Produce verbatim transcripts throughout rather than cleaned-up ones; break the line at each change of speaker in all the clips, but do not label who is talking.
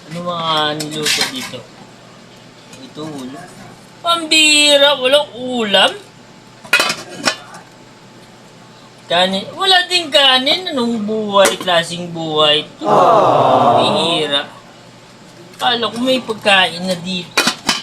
Ano mga niluto dito? Ito ulam. Pambira, walang ulam. Kanin, wala din kanin. Anong buhay, klaseng buhay ito? Pambira. Kala ko may pagkain na dito.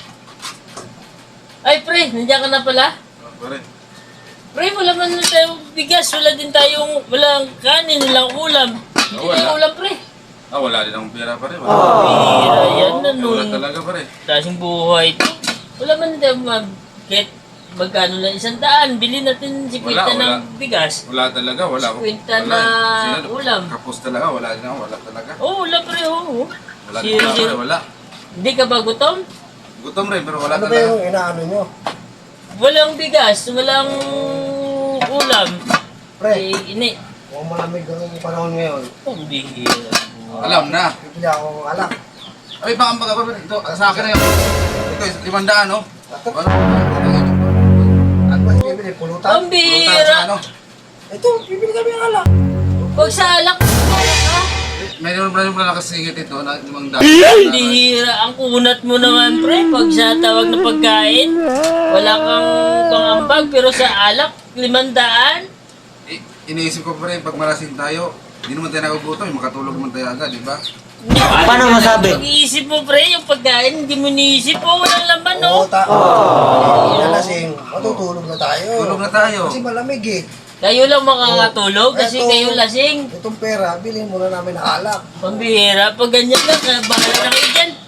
Ay, pre, nandiyan ka na pala?
Pare.
Pre, wala man na tayong bigas. Wala din tayong, walang kanin, walang ulam. Hindi
wala.
tayong ulam, pre.
Ah, wala din akong pera pare. Wala.
Pambira, yan na
Eh, wala
nung
talaga pare.
klaseng buhay ito. Wala man na tayong mag-get. Magkano lang isang daan. Bili natin si
Wala,
Quinta ng
wala.
bigas.
Wala talaga, wala.
Kwenta
Wala.
na
Sino-
ulam.
Kapos talaga, wala din ako, wala talaga.
Oo, oh, wala pre, oo.
Wala din
Zero,
pera
zero.
pare, wala.
Hindi ka ba gutom?
Gutom rin, pero wala
Ano ba
talaga.
yung inaano nyo?
Walang bigas, walang ulam.
Pre,
Eh, ini.
kung malamig ang panahon ngayon,
Pambihira.
Alam na.
bibili ako ng alak.
Ay, baka mga pare, ito, sa akin na yun. Ito, limandaan, no? Ano?
Ano ba yung bibili? Pulutan?
Pulutan sa
Pambihira.
ano?
Ito, bibili kami ng alak.
Pag sa alak, ha?
Mayroon pa rin pala nakasingit ito na limang daan.
Pambihira. Ang kunat mo naman, pre. Pag sa tawag na pagkain, wala kang pangambag. Pero sa alak, limandaan.
I- iniisip ko pa rin, pag malasing tayo, hindi naman tayo nagugutom, makatulog naman tayo agad, di ba?
Paano masabi?
Pag-iisip mo, pre, yung pagkain, hindi mo niisip. Oh, walang laman, no?
Oo, ta. Hindi na lasing. Matutulog na tayo.
Tulog na tayo.
Kasi malamig eh.
Kayo lang makakatulog kasi
Eto,
kayo lasing.
Itong pera, bilhin muna namin ng alak.
Pambihira. Pag ganyan lang, bahala na kayo dyan.